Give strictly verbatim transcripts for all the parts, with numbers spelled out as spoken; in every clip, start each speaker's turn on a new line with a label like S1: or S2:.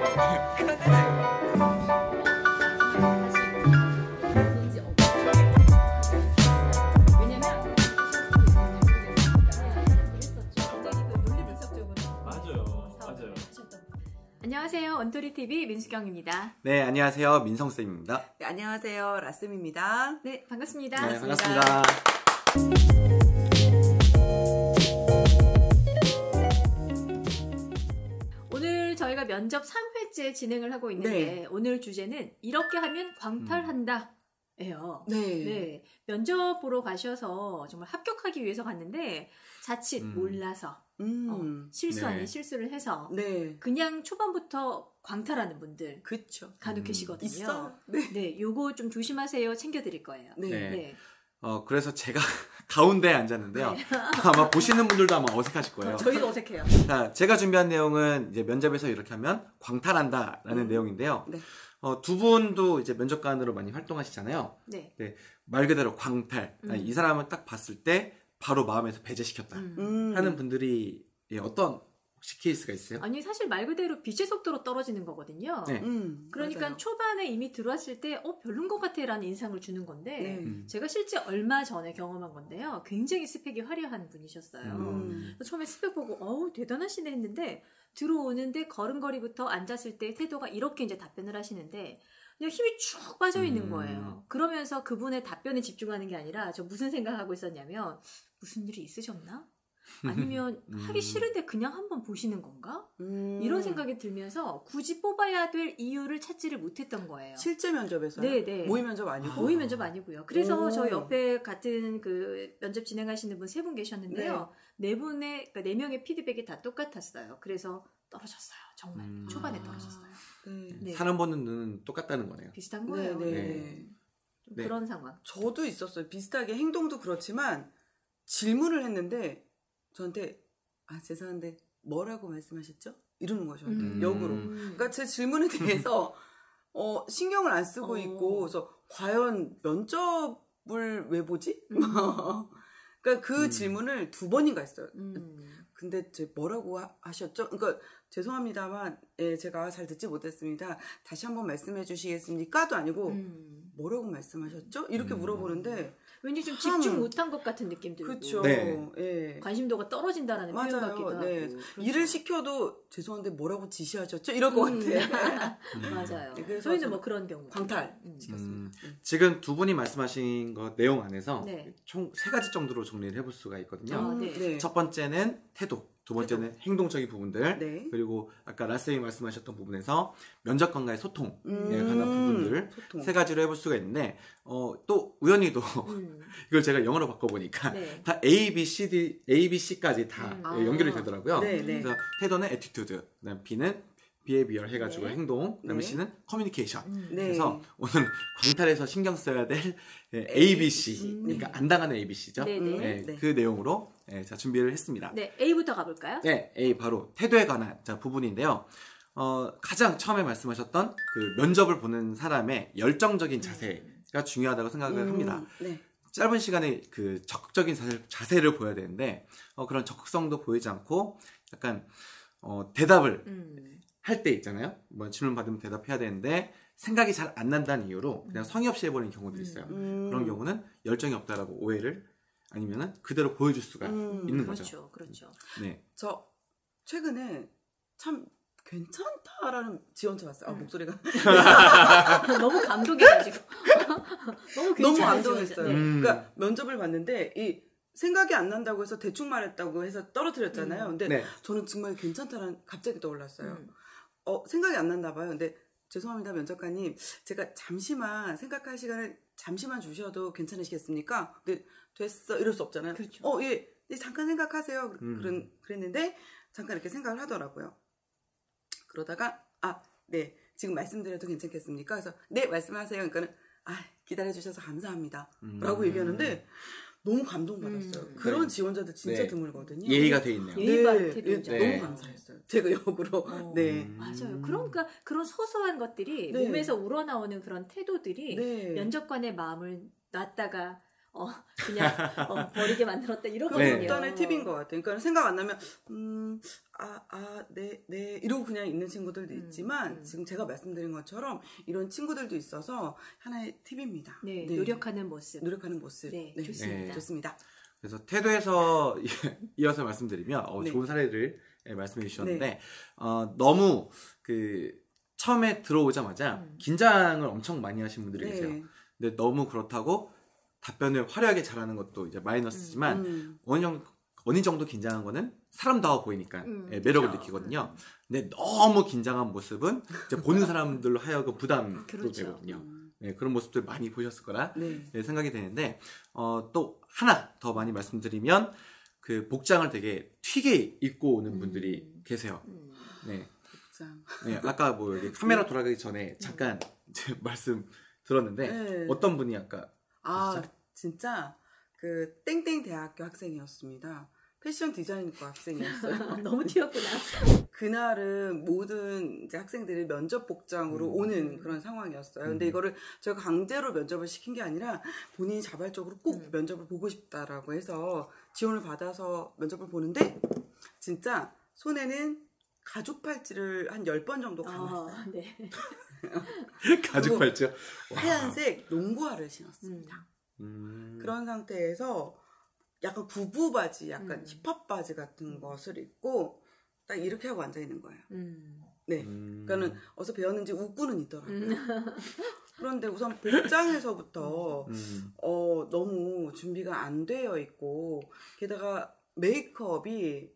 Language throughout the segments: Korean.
S1: 안녕하세요. 언토리티비 민수경입니다.
S2: 네, 안녕하세요. 민성쌤입니다.
S3: 네, 안녕하세요. 라쌤입니다.
S1: 네, 반갑습니다.
S2: 네, 반갑습니다.
S1: 오늘 저희가 면접 삼 회째 진행을 하고 있는데
S3: 네.
S1: 오늘 주제는 이렇게 하면 광탈한다. 예요.
S3: 네.
S1: 네. 면접 보러 가셔서 정말 합격하기 위해서 갔는데 자칫
S2: 음.
S1: 몰라서
S3: 음.
S1: 어, 실수 아닌
S2: 네.
S1: 실수를 해서
S3: 네.
S1: 그냥 초반부터 광탈하는 분들
S3: 그쵸.
S1: 간혹
S2: 음.
S1: 계시거든요.
S3: 있어. 네.
S1: 네, 요거 좀 조심하세요. 챙겨드릴 거예요.
S3: 네.
S2: 네.
S1: 네.
S2: 어, 그래서 제가 가운데에 앉았는데요.
S1: 네.
S2: 아마 보시는 분들도 아마 어색하실 거예요.
S1: 저희도 어색해요.
S2: 자, 제가 준비한 내용은 이제 면접에서 이렇게 하면 광탈한다라는
S3: 음.
S2: 내용인데요.
S3: 네.
S2: 어, 두 분도 이제 면접관으로 많이 활동하시잖아요.
S1: 네.
S2: 네, 말 그대로 광탈.
S1: 음.
S2: 아니, 이 사람을 딱 봤을 때 바로 마음에서 배제시켰다
S1: 음.
S3: 음.
S2: 하는 분들이 예, 어떤 혹시 케이스가 있어요?
S1: 아니 사실 말 그대로 빛의 속도로 떨어지는 거거든요.
S2: 네.
S3: 음.
S1: 그러니까
S3: 맞아요.
S1: 초반에 이미 들어왔을 때 어, 별론 것 같아 라는 인상을 주는 건데
S3: 네.
S2: 음.
S1: 제가 실제 얼마 전에 경험한 건데요. 굉장히 스펙이 화려한 분이셨어요.
S3: 음.
S1: 그래서 처음에 스펙 보고 어우 대단하시네 했는데 들어오는데 걸음걸이부터 앉았을 때 태도가 이렇게 이제 답변을 하시는데 그냥 힘이 쭉 빠져 있는
S2: 음.
S1: 거예요. 그러면서 그분의 답변에 집중하는 게 아니라 저 무슨 생각하고 있었냐면 무슨 일이 있으셨나? 아니면
S2: 음.
S1: 하기 싫은데 그냥 한번 보시는 건가?
S3: 음.
S1: 이런 생각이 들면서 굳이 뽑아야 될 이유를 찾지를 못했던 거예요.
S3: 실제 면접에서요?
S1: 네, 네.
S3: 모의 면접 아니고?
S1: 모의 면접 아니고요. 그래서
S3: 오.
S1: 저 옆에 같은 그 면접 진행하시는 분 세 분 계셨는데요. 네, 분의 그러니까 네 명의 피드백이 다 똑같았어요. 그래서 떨어졌어요. 정말
S2: 음.
S1: 초반에 떨어졌어요.
S3: 네.
S1: 네.
S2: 사람 보는 눈은 똑같다는 거네요.
S1: 비슷한
S3: 네,
S1: 거예요.
S3: 네.
S2: 네.
S3: 네.
S1: 좀
S2: 네.
S1: 그런 상황.
S3: 저도 있었어요. 비슷하게 행동도 그렇지만 질문을 했는데 저한테 아 죄송한데 뭐라고 말씀하셨죠? 이러는 거죠. 저한테
S2: 음.
S3: 역으로. 그러니까 제 질문에 대해서 어, 신경을 안 쓰고
S1: 어.
S3: 있고 그래서 과연 면접을 왜 보지?
S1: 음.
S3: 그러니까 그
S2: 음.
S3: 질문을 두 번인가 했어요.
S1: 음.
S3: 근데 제 뭐라고 하, 하셨죠? 그러니까 죄송합니다만 예, 제가 잘 듣지 못했습니다. 다시 한번 말씀해 주시겠습니까?도 아니고
S1: 음.
S3: 뭐라고 말씀하셨죠? 이렇게
S2: 음.
S3: 물어보는데
S1: 왠지 좀
S3: 참.
S1: 집중 못한 것 같은 느낌 들고
S3: 그렇죠.
S2: 네.
S3: 예.
S1: 관심도가 떨어진다라는 표현
S3: 맞아요.
S1: 같기도 하고
S3: 네.
S1: 그렇죠.
S3: 일을 시켜도 죄송한데 뭐라고 지시하셨죠? 이럴 것
S1: 음.
S3: 같아.
S1: 맞아요.
S3: 네, 그래서
S1: 저희는
S3: 좀
S1: 뭐 그런 경우
S3: 광탈
S1: 음.
S3: 시켰습니다. 네.
S2: 지금 두 분이 말씀하신 것 내용 안에서
S1: 네.
S2: 총 세 가지 정도로 정리를 해볼 수가 있거든요.
S1: 아,
S3: 음,
S1: 네.
S3: 네.
S2: 첫 번째는 태도, 두 번째는 행동적인 부분들,
S3: 네.
S2: 그리고 아까 라쌤이 말씀하셨던 부분에서 면접관과의 소통에
S3: 음.
S2: 관한 부분들
S3: 소통.
S2: 세 가지로 해볼 수가 있는데 어, 또 우연히도
S1: 음.
S2: 이걸 제가 영어로 바꿔보니까
S1: 네.
S2: 다 A, B, C, D, A, B, C까지 다
S1: 음.
S3: 아.
S2: 연결이 되더라고요.
S3: 네, 네.
S2: 그래서 태도는 attitude, 그다음 B는 behavior 해가지고
S1: 네.
S2: 행동, 그다음에
S3: 네.
S2: C는 communication.
S1: 음.
S3: 네.
S2: 그래서 오늘 광탈에서 신경 써야 될 A, B, C,
S1: 음.
S2: 그러니까 안 당하는 A, B, C죠.
S1: 네,
S3: 음.
S1: 네.
S2: 네,
S3: 네.
S2: 그 내용으로 네, 자, 준비를 했습니다.
S1: 네, A부터 가볼까요?
S2: 네, A 바로 태도에 관한 자, 부분인데요. 어, 가장 처음에 말씀하셨던 그 면접을 보는 사람의 열정적인 자세가 중요하다고 생각을
S3: 음,
S2: 합니다.
S3: 네.
S2: 짧은 시간에 그 적극적인 자세, 자세를 보여야 되는데 어, 그런 적극성도 보이지 않고 약간 어, 대답을
S1: 음.
S2: 할 때 있잖아요. 뭐 질문 받으면 대답해야 되는데 생각이 잘 안 난다는 이유로 그냥 성의 없이 해버리는 경우도 있어요.
S3: 음.
S2: 그런 경우는 열정이 없다라고 오해를 아니면은 그대로 보여줄 수가
S3: 음,
S2: 있는 거죠.
S1: 그렇죠, 그렇죠.
S2: 네.
S3: 저 최근에 참 괜찮다라는 지원자 왔어요. 아,
S1: 음.
S3: 목소리가
S1: 너무 감동해가지고 너무
S3: 너무
S1: 괜찮아요,
S3: 감동했어요.
S1: 진짜. 네.
S2: 음.
S3: 그러니까 면접을 봤는데 이 생각이 안 난다고 해서 대충 말했다고 해서 떨어뜨렸잖아요.
S1: 음.
S3: 근데
S2: 네.
S3: 저는 정말 괜찮다라는 갑자기 떠올랐어요.
S1: 음.
S3: 어, 생각이 안 났나 봐요. 근데 죄송합니다, 면접관님. 제가 잠시만 생각할 시간을 잠시만 주셔도 괜찮으시겠습니까? 근데 됐어. 이럴 수 없잖아요.
S1: 그렇죠.
S3: 어, 예. 예, 잠깐 생각하세요.
S2: 음.
S3: 그런 그랬는데 잠깐 이렇게 생각을 하더라고요. 그러다가 아, 네. 지금 말씀드려도 괜찮겠습니까? 그래서 네, 말씀하세요. 그러니까는 아, 기다려 주셔서 감사합니다.
S2: 음.
S3: 라고 얘기하는데 너무 감동받았어요.
S1: 음.
S3: 그런
S2: 네.
S3: 지원자들 진짜
S2: 네.
S3: 드물거든요.
S2: 예의가 돼 있네요.
S1: 예의 바른
S3: 네,
S1: 태도죠.
S3: 예,
S2: 네.
S3: 너무 감사했어요. 제가 역으로.
S1: 어.
S3: 네.
S2: 음.
S1: 맞아요. 그러니까 그런 소소한 것들이
S3: 네.
S1: 몸에서 우러나오는 그런 태도들이
S3: 네.
S1: 면접관의 마음을 놨다가 어, 그냥 어, 버리게 만들었다
S3: 그
S1: 이러거든요.
S3: 극단의 팁인 것 같아요. 그러니까 생각 안 나면 음, 아, 아, 네, 네 이러고 그냥 있는 친구들도 있지만
S1: 음.
S3: 지금 제가 말씀드린 것처럼 이런 친구들도 있어서 하나의 팁입니다.
S1: 네, 노력하는 모습.
S3: 노력하는 모습.
S1: 네,
S3: 네,
S1: 좋습니다.
S2: 네.
S3: 좋습니다.
S2: 그래서 태도에서 이어서 말씀드리면 어,
S3: 네.
S2: 좋은 사례를 예, 말씀해 주셨는데
S3: 네.
S2: 어, 너무 그 처음에 들어오자마자
S1: 음.
S2: 긴장을 엄청 많이 하신 분들이
S3: 네.
S2: 계세요. 근데 너무 그렇다고 답변을 화려하게 잘하는 것도 이제 마이너스지만
S3: 음.
S2: 어느 정도 어느 정도 긴장한 거는 사람다워 보이니까
S1: 음,
S2: 예, 매력을
S1: 그렇죠.
S2: 느끼거든요. 근데 너무 긴장한 모습은 이제 보는 사람들로 하여금 부담도
S1: 그렇죠.
S2: 되거든요.
S3: 음.
S2: 네, 그런 모습들 많이 보셨을 거라
S3: 네.
S2: 네, 생각이 되는데 어, 또 하나 더 많이 말씀드리면 그 복장을 되게 튀게 입고 오는 분들이
S1: 음.
S2: 계세요.
S1: 음.
S2: 네,
S3: 자.
S2: 네, 아까 뭐 여기 카메라 돌아가기 전에 잠깐 이제 말씀 들었는데
S3: 네.
S2: 어떤 분이 아까
S3: 아,
S2: 진짜?
S3: 진짜 그 땡땡 대학교 학생이었습니다. 패션 디자인과 학생이었어요.
S1: 너무 튀었구나.
S3: 그날은 모든 이제 학생들이 면접 복장으로
S2: 음.
S3: 오는 그런 상황이었어요. 근데
S2: 음.
S3: 이거를 저희가 강제로 면접을 시킨 게 아니라 본인이 자발적으로 꼭
S1: 음.
S3: 면접을 보고 싶다라고 해서 지원을 받아서 면접을 보는데 진짜 손에는 가죽 팔찌를 한 열 번 정도 감았어요.
S1: 아, 네.
S2: 가죽 팔찌요?
S3: 하얀색 농구화를 신었습니다.
S2: 음.
S3: 그런 상태에서 약간 구부 바지, 약간
S1: 음.
S3: 힙합 바지 같은 것을 입고 딱 이렇게 하고 앉아 있는 거예요.
S1: 음.
S3: 네.
S2: 음.
S3: 그러니까는 어디서 배웠는지 웃고는 있더라고요.
S1: 음.
S3: 그런데 우선 복장에서부터
S2: 음.
S3: 어, 너무 준비가 안 되어 있고 게다가 메이크업이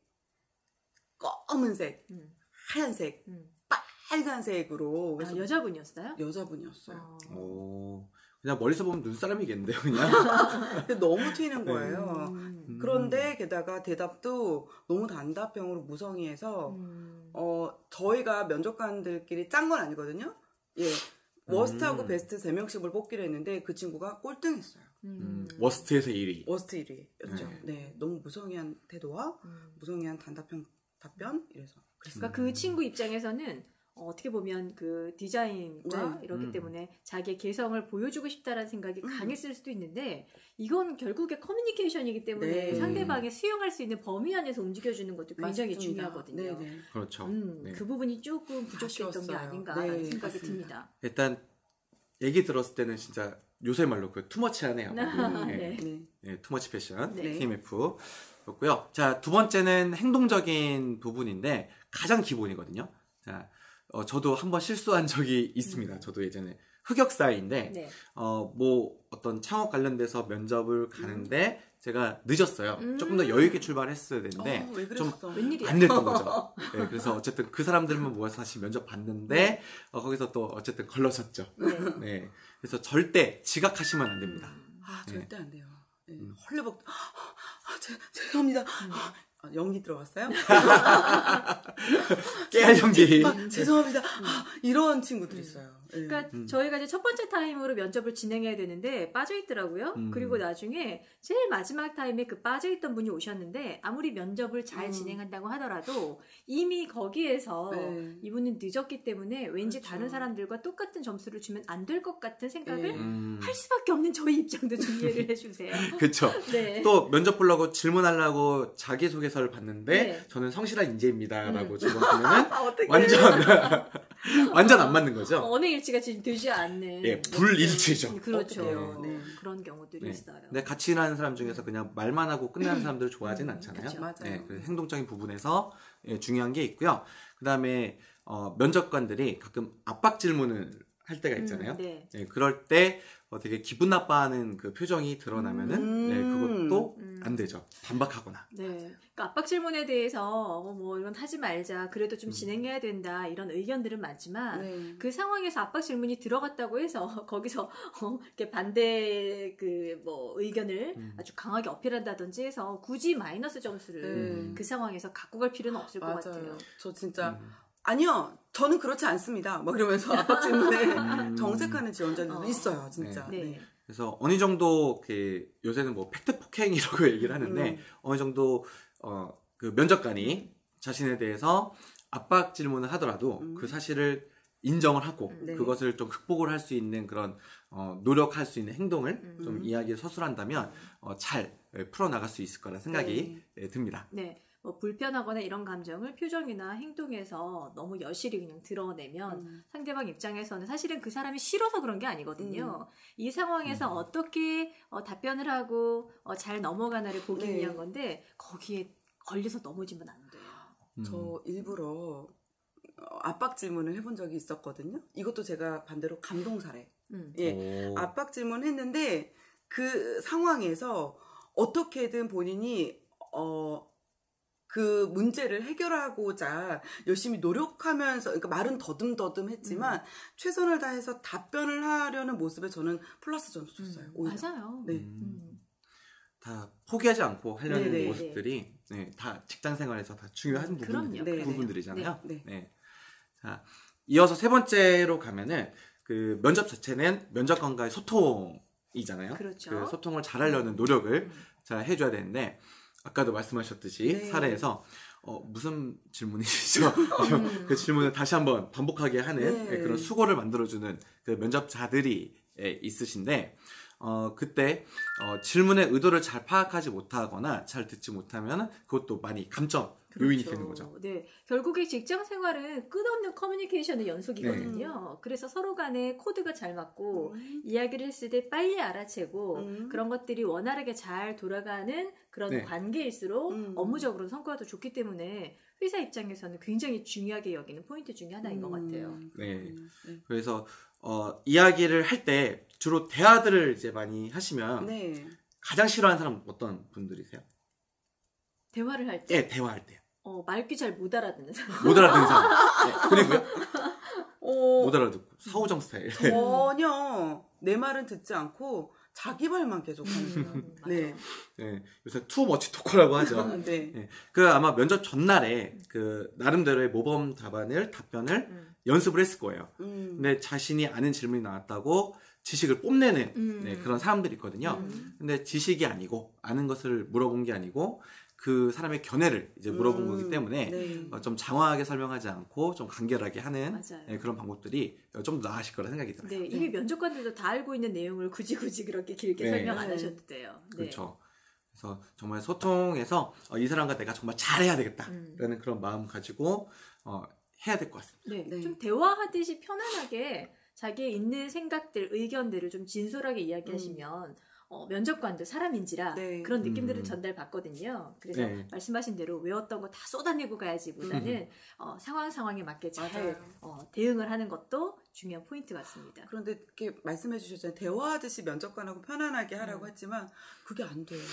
S3: 검은색,
S1: 음.
S3: 하얀색,
S1: 음.
S3: 빨간색으로
S1: 아,
S3: 그래서
S1: 여자분이었어요?
S3: 여자분이었어요.
S1: 어.
S2: 오, 그냥 멀리서 보면 눈사람이겠는데요, 그냥.
S3: 근데 너무 튀는 거예요.
S1: 음.
S3: 그런데 게다가 대답도 너무 단답형으로 무성의해서
S1: 음.
S3: 어 저희가 면접관들끼리 짠 건 아니거든요. 예, 워스트하고
S2: 음.
S3: 베스트 세 명씩을 뽑기로 했는데 그 친구가 꼴등했어요.
S2: 음, 워스트에서 일 위.
S3: 워스트 일 위였죠.
S2: 네.
S3: 네, 너무 무성의한 태도와
S1: 음.
S3: 무성의한 단답형 답변 이래서
S1: 그러니까 그 친구 입장에서는 어, 어떻게 보면 그 디자인과
S3: 네.
S1: 이렇기
S2: 음.
S1: 때문에 자기의 개성을 보여주고 싶다라는 생각이
S3: 음.
S1: 강했을 수도 있는데 이건 결국에 커뮤니케이션이기 때문에
S3: 네.
S1: 상대방의 수용할 수 있는 범위 안에서 움직여주는 것도 굉장히
S3: 맞습니다.
S1: 중요하거든요.
S3: 네, 네.
S2: 그렇죠.
S1: 음,
S2: 네.
S1: 그 부분이 조금 부족했던 게
S3: 아쉬웠어요.
S1: 아닌가라는
S3: 네,
S1: 생각이
S3: 맞습니다.
S1: 듭니다.
S2: 일단 얘기 들었을 때는 진짜 요새 말로 그 투머치하네요.
S1: 아,
S2: 네.
S1: 네.
S3: 네.
S2: 네, 투머치 패션
S1: 네.
S2: 티엠에프였고요. 자, 두 번째는 행동적인 부분인데 가장 기본이거든요. 자, 어, 저도 한번 실수한 적이 있습니다.
S1: 음.
S2: 저도 예전에 흑역사인데
S1: 네.
S2: 어, 뭐 어떤 창업 관련돼서 면접을 가는데 제가 늦었어요.
S1: 음.
S2: 조금 더 여유 있게 출발했어야 되는데
S3: 어, 왜
S2: 좀
S3: 그랬어?
S1: 웬일이야?
S2: 안 됐던 거죠. 네, 그래서 어쨌든 그 사람들만 모아서 다시 면접 봤는데 어, 거기서 또 어쨌든 걸러졌죠.
S1: 네.
S2: 네, 그래서 절대 지각하시면 안 됩니다.
S3: 아,
S2: 네.
S3: 절대 안 돼요. 네.
S2: 음.
S3: 헐레벅 아, 제, 죄송합니다. 아, 연기 들어갔어요?
S2: 깨알 연기.
S3: 아, 죄송합니다. 아, 이런 친구들 있어요. 네.
S1: 그러니까
S2: 음.
S1: 저희가 이제 첫 번째 타임으로 면접을 진행해야 되는데 빠져 있더라고요.
S2: 음.
S1: 그리고 나중에 제일 마지막 타임에 그 빠져 있던 분이 오셨는데 아무리 면접을 잘
S3: 음.
S1: 진행한다고 하더라도 이미 거기에서
S3: 네.
S1: 이분은 늦었기 때문에 왠지
S3: 그렇죠.
S1: 다른 사람들과 똑같은 점수를 주면 안 될 것 같은 생각을
S3: 네.
S2: 음,
S1: 할 수밖에 없는 저희 입장도 좀 이해를 해주세요.
S2: 그쵸.
S1: 네.
S2: 또 면접 보려고 질문하려고 자기소개서를 봤는데
S1: 네.
S2: 저는 성실한 인재입니다라고
S1: 음.
S2: 질문하면은
S3: 아, 어떻게
S2: 완전 완전 안 맞는 거죠.
S1: 어, 어느 일치가 지금 되지 않는
S2: 예, 불일치죠.
S1: 그렇죠.
S3: 어떡해요. 네.
S1: 그런 경우들이
S2: 네.
S1: 있어요.
S2: 근데 같이 일하는 사람 중에서 그냥 말만 하고 끝나는 사람들을 좋아하진
S1: 음,
S2: 않잖아요.
S1: 그쵸.
S3: 맞아요.
S2: 네, 그래서 행동적인 부분에서 예, 중요한 게 있고요. 그 다음에 어, 면접관들이 가끔 압박 질문을 할 때가 있잖아요.
S1: 음, 네.
S2: 네, 그럴 때 어, 되게 기분 나빠하는 그 표정이 드러나면은
S3: 음.
S2: 네, 그것도
S1: 음.
S2: 안 되죠. 반박하거나.
S1: 네. 그러니까 압박 질문에 대해서 어, 뭐 이건 하지 말자. 그래도
S2: 음.
S1: 좀 진행해야 된다. 이런 의견들은 많지만
S3: 네.
S1: 그 상황에서 압박 질문이 들어갔다고 해서 거기서 어, 이렇게 반대 그 뭐 의견을
S2: 음.
S1: 아주 강하게 어필한다든지 해서 굳이 마이너스 점수를
S2: 음.
S1: 그 상황에서 갖고 갈 필요는 없을 것 같아요.
S3: 맞아요. 저 진짜
S2: 음.
S3: 아니요, 저는 그렇지 않습니다. 막 이러면서 압박 질문에
S2: 음.
S3: 정색하는 지원자들도
S1: 어.
S3: 있어요, 진짜.
S1: 네.
S3: 네.
S2: 그래서 어느 정도 그 요새는 뭐 팩트 폭행이라고 얘기를 하는데
S3: 음.
S2: 어느 정도 어, 그 면접관이 자신에 대해서 압박 질문을 하더라도
S3: 음.
S2: 그 사실을 인정을 하고
S3: 네.
S2: 그것을 좀 극복을 할 수 있는 그런 어, 노력할 수 있는 행동을
S1: 음.
S2: 좀 이야기를 서술한다면 어, 잘 예, 풀어나갈 수 있을 거라 생각이 예, 듭니다.
S1: 네. 뭐 불편하거나 이런 감정을 표정이나 행동에서 너무 여실히 그냥 드러내면
S3: 음.
S1: 상대방 입장에서는 사실은 그 사람이 싫어서 그런 게 아니거든요.
S3: 음.
S1: 이 상황에서
S2: 음.
S1: 어떻게 어, 답변을 하고 어, 잘 넘어가나를 보기
S3: 네.
S1: 위한 건데 거기에 걸려서 넘어지면 안 돼요.
S2: 음.
S3: 저 일부러 어, 압박 질문을 해본 적이 있었거든요. 이것도 제가 반대로 감동 사례.
S1: 음.
S3: 예,
S2: 오.
S3: 압박 질문했는데 그 상황에서 어떻게든 본인이 어, 그 문제를 해결하고자 열심히 노력하면서, 그러니까 말은 더듬더듬했지만
S1: 음.
S3: 최선을 다해서 답변을 하려는 모습에 저는 플러스 점수 줬어요.
S1: 음,
S3: 오히려.
S1: 맞아요.
S3: 네.
S2: 음.
S1: 음.
S2: 다 포기하지 않고 하려는
S3: 네네.
S2: 모습들이 네, 다 직장 생활에서 다 중요한
S1: 음,
S2: 부분,
S1: 그럼요.
S3: 네,
S2: 부분들이잖아요.
S3: 네.
S2: 네. 자, 이어서 세 번째로 가면은 그 면접 자체는 면접관과의 소통이잖아요.
S1: 그렇죠.
S2: 그 소통을 잘하려는 노력을
S1: 음.
S2: 잘 해줘야 되는데 아까도 말씀하셨듯이
S3: 네.
S2: 사례에서 어, 무슨 질문이시죠?
S1: 음.
S2: 그 질문을 다시 한번 반복하게 하는
S3: 네.
S2: 그런 수고를 만들어주는 그 면접자들이 예, 있으신데 어, 그때 어, 질문의 의도를 잘 파악하지 못하거나 잘 듣지 못하면 그것도 많이 감점 요인이 되는 거죠.
S1: 네, 결국에 직장 생활은 끝없는 커뮤니케이션의 연속이거든요. 그래서 서로 간에 코드가 잘 맞고
S3: 음.
S1: 이야기를 했을 때 빨리 알아채고
S3: 음.
S1: 그런 것들이 원활하게 잘 돌아가는 그런
S2: 네.
S1: 관계일수록
S3: 음.
S1: 업무적으로 성과도 좋기 때문에 회사 입장에서는 굉장히 중요하게 여기는 포인트 중에 하나인 것 같아요.
S2: 네.
S3: 음. 네.
S2: 그래서 어, 이야기를 할 때 주로 대화들을 이제 많이 하시면
S3: 네.
S2: 가장 싫어하는 사람 어떤 분들이세요?
S1: 대화를 할 때
S2: 네, 대화할 때.
S1: 어, 말귀 잘 못 알아듣는 사람.
S2: 못 알아듣는 사람. 네, 그리고요?
S3: 어,
S2: 못 알아듣고 사후정 스타일.
S3: 전혀 내 말은 듣지 않고 자기 말만 계속 하는
S1: 음,
S3: 사람.
S1: 맞아.
S3: 네.
S2: 네, 요새 투머치 토커라고 하죠.
S3: 네.
S2: 네, 그 아마 면접 전날에 그 나름대로의 모범 답안을 답변을
S1: 음.
S2: 연습을 했을 거예요.
S3: 음.
S2: 근데 자신이 아는 질문이 나왔다고 지식을 뽐내는
S1: 음.
S2: 네, 그런 사람들이 있거든요.
S1: 음.
S2: 근데 지식이 아니고 아는 것을 물어본 게 아니고 그 사람의 견해를 이제 물어본
S3: 음.
S2: 거기 때문에
S3: 네.
S2: 어, 좀 장황하게 설명하지 않고 좀 간결하게 하는
S1: 맞아요.
S2: 네, 그런 방법들이 좀 더 나아질 거라 생각이 들어요.
S1: 네, 이미 면접관들도 다 알고 있는 내용을 굳이 굳이 그렇게 길게
S2: 네.
S1: 설명 안
S3: 네.
S1: 하셔도 돼요. 네.
S2: 그렇죠. 그래서 정말 소통해서 어, 이 사람과 내가 정말 잘해야 되겠다라는
S1: 음.
S2: 그런 마음 가지고 어, 해야 될 것 같습니다.
S1: 네,
S3: 네.
S1: 좀 대화하듯이 편안하게 자기의 있는 생각들, 의견들을 좀 진솔하게 이야기하시면 어, 면접관도 사람인지라
S3: 네.
S1: 그런 느낌들을
S2: 음.
S1: 전달받거든요. 그래서
S2: 네.
S1: 말씀하신 대로 외웠던 거 다 쏟아내고 가야지보다는 어, 상황 상황에 맞게 잘
S3: 맞아요.
S1: 어, 대응을 하는 것도 중요한 포인트 같습니다.
S3: 그런데 이렇게 말씀해 주셨잖아요. 대화하듯이 면접관하고 편안하게 하라고
S1: 음.
S3: 했지만 그게 안 돼요.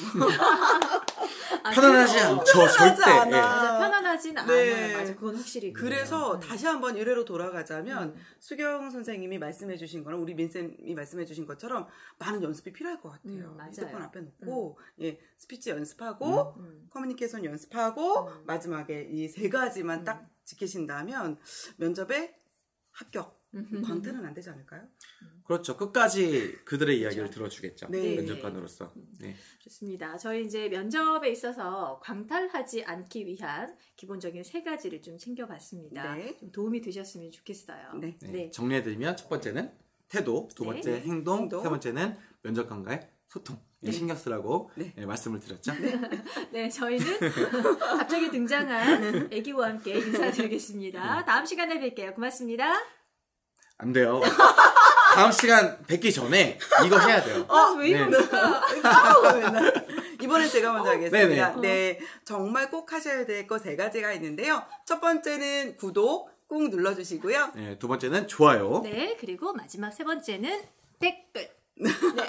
S1: 아,
S2: 편안하지
S1: 그래서-
S2: 않죠,
S3: 편안하지
S2: 절대.
S3: 않아.
S2: 예.
S1: 맞아, 편안하진
S3: 네.
S1: 않아요. 맞아, 그건 확실히 그래요.
S3: 그래서
S1: 음.
S3: 다시 한번 일회로 돌아가자면
S1: 음.
S3: 수경 선생님이 말씀해 주신 거는 우리 민쌤이 말씀해 주신 것처럼 많은 연습이 필요할 것 같아요.
S1: 음, 맞아요.
S3: 핸드폰 앞에 놓고 예, 스피치 연습하고
S1: 음.
S3: 커뮤니케이션 연습하고
S1: 음.
S3: 마지막에 이 세 가지만
S1: 음.
S3: 딱 지키신다면 면접에 합격.
S1: 음.
S3: 광태는 안 되지 않을까요?
S2: 그렇죠. 끝까지 그들의 이야기를
S1: 그렇죠.
S2: 들어주겠죠.
S3: 네.
S2: 면접관으로서. 네.
S1: 좋습니다. 저희 이제 면접에 있어서 광탈하지 않기 위한 기본적인 세 가지를 좀 챙겨봤습니다.
S3: 네.
S1: 좀 도움이 되셨으면 좋겠어요.
S3: 네.
S2: 네.
S1: 네.
S2: 정리해드리면 첫 번째는 태도, 두
S1: 네.
S2: 번째 행동,
S3: 행동.
S2: 세 번째는 면접관과의 소통.
S3: 네.
S2: 신경 쓰라고
S3: 네.
S2: 예, 말씀을 드렸죠.
S1: 네, 저희는 갑자기 등장한 애기와 함께 인사드리겠습니다. 다음 시간에 뵐게요. 고맙습니다.
S2: 안 돼요. 다음 시간 뵙기 전에 이거 해야 돼요.
S1: 아, 왜
S2: 네.
S1: 이러니까?
S3: 아우, 맨날. 이번엔 제가 먼저 하겠습니다.
S2: 네네.
S3: 네, 정말 꼭 하셔야 될 거 세 가지가 있는데요. 첫 번째는 구독 꾹 눌러주시고요.
S2: 네, 두 번째는 좋아요.
S1: 네, 그리고 마지막 세 번째는 댓글. 네.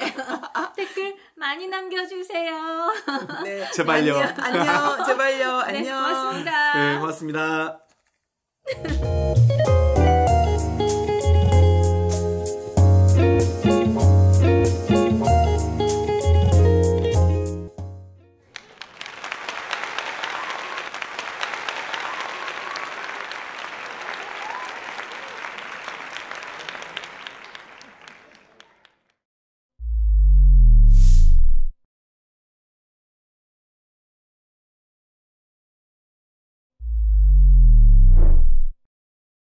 S1: 댓글 많이 남겨주세요.
S3: 네,
S2: 제발요.
S3: 안녕, 안녕, 제발요,
S1: 네,
S3: 안녕.
S1: 고맙습니다.
S2: 네, 고맙습니다.